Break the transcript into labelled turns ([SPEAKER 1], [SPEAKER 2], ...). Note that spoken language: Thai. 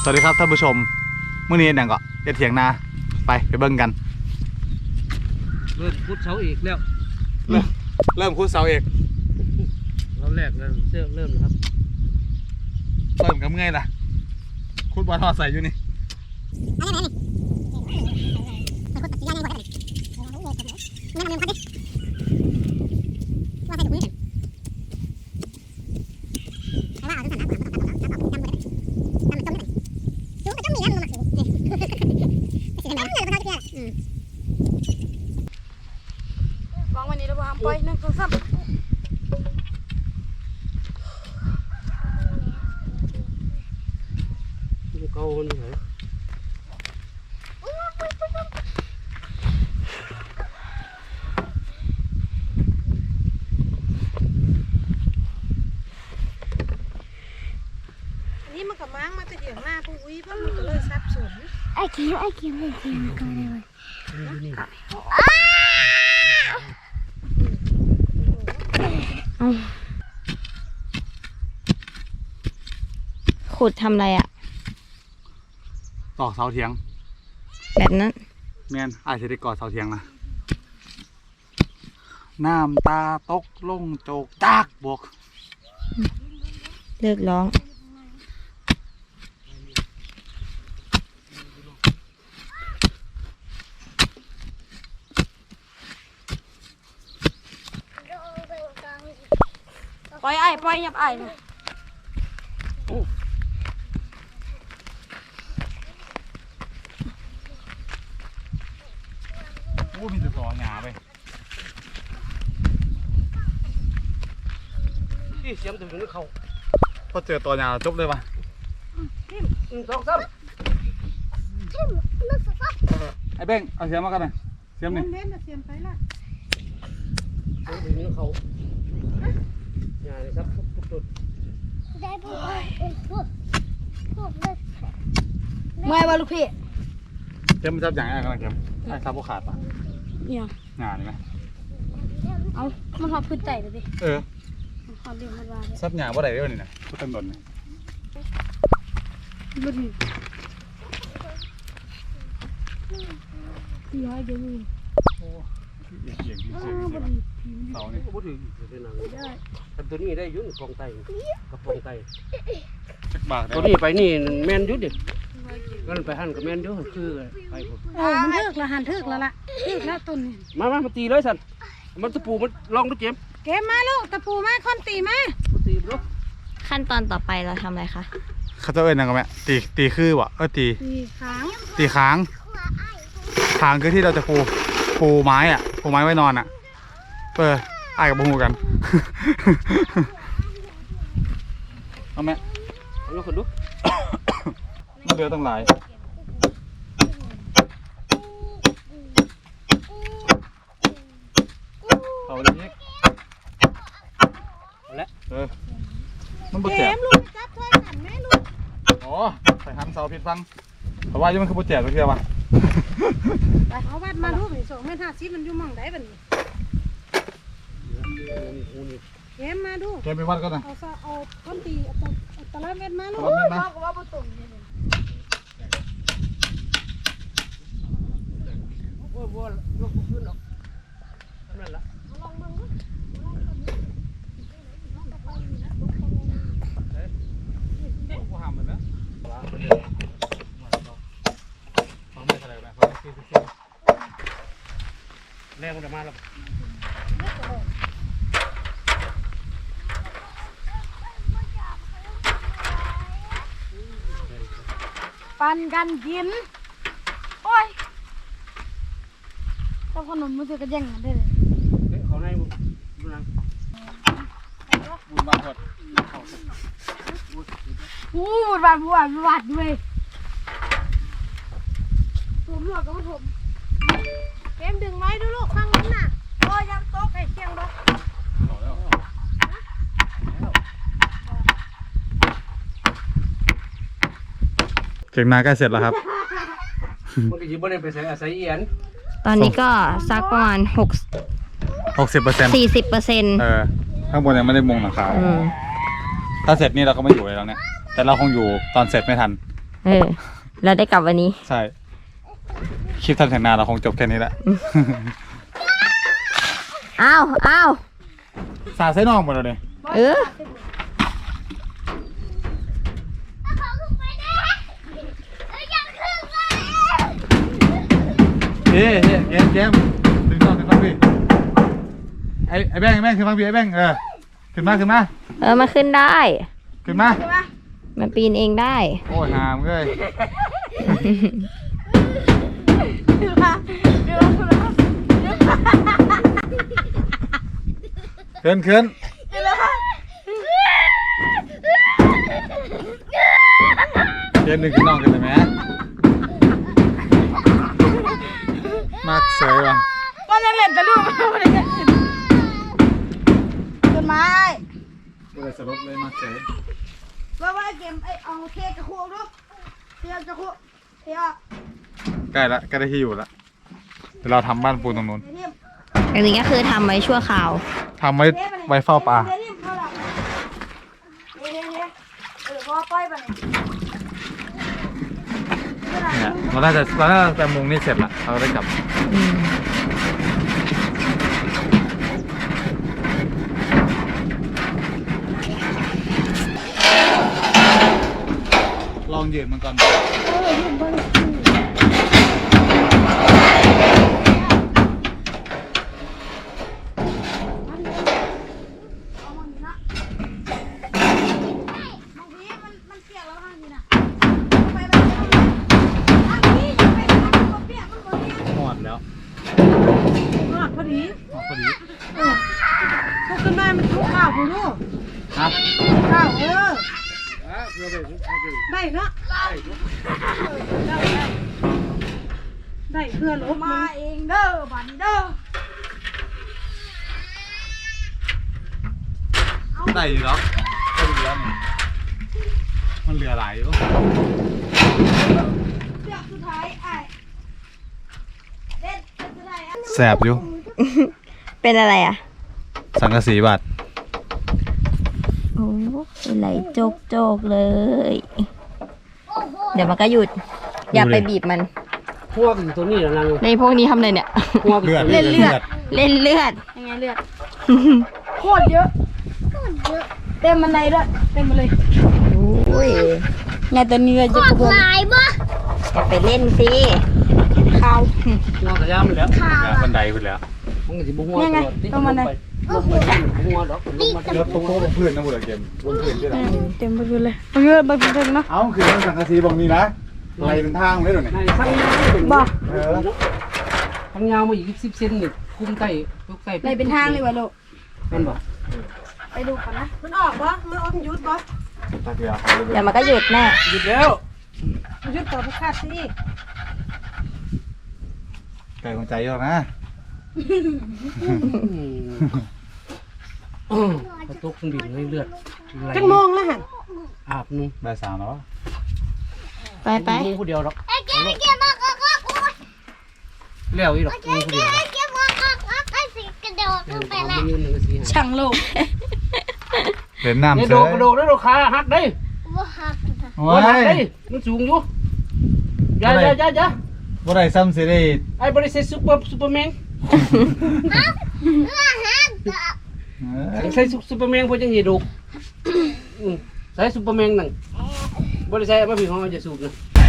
[SPEAKER 1] สวัสดีครับท่านผู้ชมเมื่อนี้หนังก็จะเถียงนาไปเบิ่งกัน
[SPEAKER 2] เริ่มพุทธเสาเอกแล้ว
[SPEAKER 1] เริ่มคุดเสาเอก
[SPEAKER 2] เราแรกเริ่มนะครับ
[SPEAKER 1] เริ่มกับเมื่อยล่ะคุดบอลทอดใส่อยู่นี่
[SPEAKER 3] วางวันนี้เราทำไป1 2 3
[SPEAKER 2] เก่าคนไหน
[SPEAKER 3] อันนี้มันกับม้างมาจะเถียงหน้าผู้วิมันก็เลยซับสน
[SPEAKER 4] ไอ้คิวก็ได้เลยขุดทำอะไรอ่ะ
[SPEAKER 1] ตอกเสาเถียง
[SPEAKER 4] แบบนั้น
[SPEAKER 1] แม่นอาจจะได้ก่อเสาเถียงนะน้ำตาตกลงโจกจากบวก
[SPEAKER 4] เลิกร้อง
[SPEAKER 3] ปล่อยยับไอ้นะ
[SPEAKER 1] โอ้มีแต่ต่อหงาไป
[SPEAKER 2] ที่เสียมถึงนี่เขา
[SPEAKER 1] พอเจอต่อหงาจบเลยปะ
[SPEAKER 2] 1 2 3
[SPEAKER 1] ไอ้เบ้งเอาเสียมมากันหน่อยเสียมนี่
[SPEAKER 3] เล่นเสียมไปละ
[SPEAKER 2] ถึงนี่เขาอย่าเลยครับทุก
[SPEAKER 3] เมื่อวะลูกพี่
[SPEAKER 1] เสียมมันจับอย่างไรกันนะเสียมไอ้ซับพวกขาดปะ
[SPEAKER 3] เนี่ย
[SPEAKER 1] งานนี่ไหม
[SPEAKER 3] เอามันหอบขึ้นใจเลยดิ
[SPEAKER 1] เออ
[SPEAKER 3] หอบเรียงมันว่า
[SPEAKER 1] ซับหงาว่าไหนเรื่องนี่นะพูดเต็มหมดเลย
[SPEAKER 3] บุญที่ให้เดี๋ยวนี้
[SPEAKER 1] โอ้เอียงเสาเนี่ย
[SPEAKER 2] บ่ถึงเป็นหนังแต่ตัวนี้ได้ยุ่นกองไตกับกองไตตัวนี้ไปนี่แม่นยุ่นดิก็ไปหั่นกับแม่นยุ่นคือไปผม
[SPEAKER 3] มันเลิกละหันเลิกแล้วล่ะเลิกแล้วต้นนี่
[SPEAKER 2] มาตีเลยสันมันตะปูมันลองดูเกม
[SPEAKER 3] มาลูกตะปูมาค้อนตีมา
[SPEAKER 2] ตีลูก
[SPEAKER 4] ขั้นตอนต่อไปเราทำอะไรคะ
[SPEAKER 1] เขาจะเอ้ยนังกันไหมตีคือวะตีค้างคือที่เราจะปูไม้อะปูไม้ไว้นอนอะอ้ายกับบูฮูกันเอาไหม
[SPEAKER 2] เอาลูกคนดู
[SPEAKER 1] มันเดือดตั้งหลายเอาเลยนี่
[SPEAKER 2] แล้ว
[SPEAKER 1] มันบดแจก
[SPEAKER 3] ลูกจับถ้วยหันแม่ลูก
[SPEAKER 1] อ๋อใส่หันเสาผิดฟังเพราะว่ายังมันคือบดแจกตัวเทียบวะ
[SPEAKER 3] ไปเอาวัดมาลูกนี่2 เมตร 50มันอยู่มองได้บัดนี้เกมมาดู
[SPEAKER 1] เกมไปวัดก็นะ
[SPEAKER 3] เอาก้นตีตะละเม็ดมาลูกว่าประตูนี่
[SPEAKER 2] ว่าลูกขึ้นหรอกนั่นแหละ
[SPEAKER 1] กูห้ามมันนะ
[SPEAKER 2] แรงมันจะมาแล้ว
[SPEAKER 3] ปั่นกันกินโอ้ยเจ้าขนมมันจะกระแย่งกันได้เลย
[SPEAKER 2] เขาในบุญ
[SPEAKER 1] บางหด
[SPEAKER 3] บูดบาดด้วยผมหลอกกับผมเกมดึงไว้ดูลูกฟังนั้นน่ะโอ้ยังโต๊ะไก่เคียงบ่
[SPEAKER 1] เก่งนาใกล้เสร็จแล้วครับ
[SPEAKER 2] มันก็ยิบได้ไปใส่อาศัยเอียน
[SPEAKER 4] ตอนนี้ก็ซักประมาณ
[SPEAKER 1] 60%
[SPEAKER 4] 40%
[SPEAKER 1] ข้างบนยังไม่ได้มุงหลังคาถ้าเสร็จนี่เราก็ไม่อยู่เลยแล้วเนี่ยแต่เราคงอยู่ตอนเสร็จไม่ทัน
[SPEAKER 4] เราได้กลับวันนี้
[SPEAKER 1] ใช่คลิปทำแข่งนาเราคงจบแค่นี้แหละ
[SPEAKER 4] อ้าว
[SPEAKER 1] สาดไส้นองหมดเลยเนี่ย
[SPEAKER 4] เออ
[SPEAKER 1] เฮ้เกมถึงต้องพี่ไอ้แบงขึ้นมาพี่ไอ้แบงขึ้นมา
[SPEAKER 4] มันขึ้นได้
[SPEAKER 1] ขึ้นมา
[SPEAKER 4] มันปีนเองได้
[SPEAKER 1] โอ้ยหามเลย ขึ้นเกมหนึ่งขึ้นน้องกันเลยไหมมากเสยว่ะ
[SPEAKER 3] ก็เล่นแต่ลูกไม่ได้จะขึ้นต้นไม้
[SPEAKER 1] เลยสลบเลยมากเสย
[SPEAKER 3] ว่าเกมเอาเค้กกระโคกลูกเค้กกระโคกเค้ก
[SPEAKER 1] ใกล้ได้ที่อยู่ละเดี๋ยวเราทำบ้านปูนตรงนู้น
[SPEAKER 4] อันนี้ก็คือทำไว้ชั่วคราว
[SPEAKER 1] ทำไว้เฝ้าปลา
[SPEAKER 3] พ่อป้อยไป
[SPEAKER 1] เนี่ยเราน่าจะแต่มุงนี่เสร็จละเราได้กลับลองยืนมันก่อนหมดแล้ว
[SPEAKER 3] พอดี
[SPEAKER 1] พอดี
[SPEAKER 3] พวกต้นไม้มันทุกข้าวคุณลูก
[SPEAKER 1] ครับ
[SPEAKER 3] ข้าว
[SPEAKER 2] เพื่อไป
[SPEAKER 3] ได้เนาะได้เพื่อลบมาเองเด้อบันเด้อ
[SPEAKER 1] ได้อยู่แล้วได้อยู่แล้วนี่มันเหลือหลายอยู่
[SPEAKER 3] เชือกสุดท้ายไอ้เด็ดสุดท้าย
[SPEAKER 1] แสบอยู่
[SPEAKER 4] เป็นอะไรอ่ะ
[SPEAKER 1] สังกะสีบาด
[SPEAKER 4] โอ้เป็นไหลโจกเลย เดี๋ยวมันก็หยุด อย่าไปบีบมัน
[SPEAKER 2] พวกอยู่ตัวนี้แล้วนาง
[SPEAKER 4] ในพวกนี้ทำอะไรเนี่ย
[SPEAKER 2] พวก
[SPEAKER 1] เลือด
[SPEAKER 4] เล่นเลือด
[SPEAKER 3] ยังไงเลือดโคตรเยอะเต็มมันในด้วยเต็มมาเลย
[SPEAKER 4] โอ้ย
[SPEAKER 3] ไงตัวนี้เลยจะกระโดด
[SPEAKER 4] อย่าไปเล่นสิ
[SPEAKER 3] ขาว
[SPEAKER 2] พวกกระยำแล้ว
[SPEAKER 1] บันไดไปแล้ว
[SPEAKER 2] มันก็สิบ่หัวตัวที่ลงไปลงไปหัวดอกลงมา
[SPEAKER 1] แล้วโต๊ะบนพื้นนะบุตรเกมบนพื้นที่ไหน
[SPEAKER 3] เต็มไปหมดเลยเยอะไปเต็มเนาะ
[SPEAKER 1] เอ้าคือมันสังกะสีบางนี้นะอะไรเป็นทางได้หรอเนี่ย
[SPEAKER 2] ในทั้งยาว
[SPEAKER 3] บ่
[SPEAKER 2] ทั้งยาวมาอีก10 เซนนี่คุ้มใต้ทุกใต้
[SPEAKER 3] เลยเป็นทางเลยวะลูก
[SPEAKER 2] มันบ่
[SPEAKER 3] ไปดูก่อนนะมันออกบ่มันออกยุดบ่
[SPEAKER 1] ตาเดียว
[SPEAKER 4] เดี๋ยวมันก็หยุดแน่
[SPEAKER 2] หยุดแล้ว
[SPEAKER 3] ยุดต่อผู้คาดสิ
[SPEAKER 1] ไก่ของใจเยอะนะ
[SPEAKER 2] กระตุกเครื่องบินให้เลือด
[SPEAKER 3] จังมองแล้วหัน
[SPEAKER 2] อาบนึง
[SPEAKER 1] ใบสามแล้ว
[SPEAKER 4] ไป
[SPEAKER 2] มึงผู้เดียวหรอกแล้วอีหรอกมึงผู้เดียวยืนหนึ่งสี่
[SPEAKER 3] ช่างโลก
[SPEAKER 1] เล่นน้ำ
[SPEAKER 2] เนี่ย
[SPEAKER 1] เสื
[SPEAKER 2] โด
[SPEAKER 1] อ
[SPEAKER 2] ดกระโดดได้โดดขาหักได้
[SPEAKER 1] โอ้
[SPEAKER 2] หัก
[SPEAKER 1] ย
[SPEAKER 2] ได้มันสูงอยู่อย่า
[SPEAKER 1] บ่ได้ซ้ำสิได้
[SPEAKER 2] ไอ้บริษัทซูเปอร์แมนใส่ซูเปอร์แมนพวกจังหีดุใส่ซูเปอร์แมนนั่งบริษัทมาผิดของเราจะสูบนะ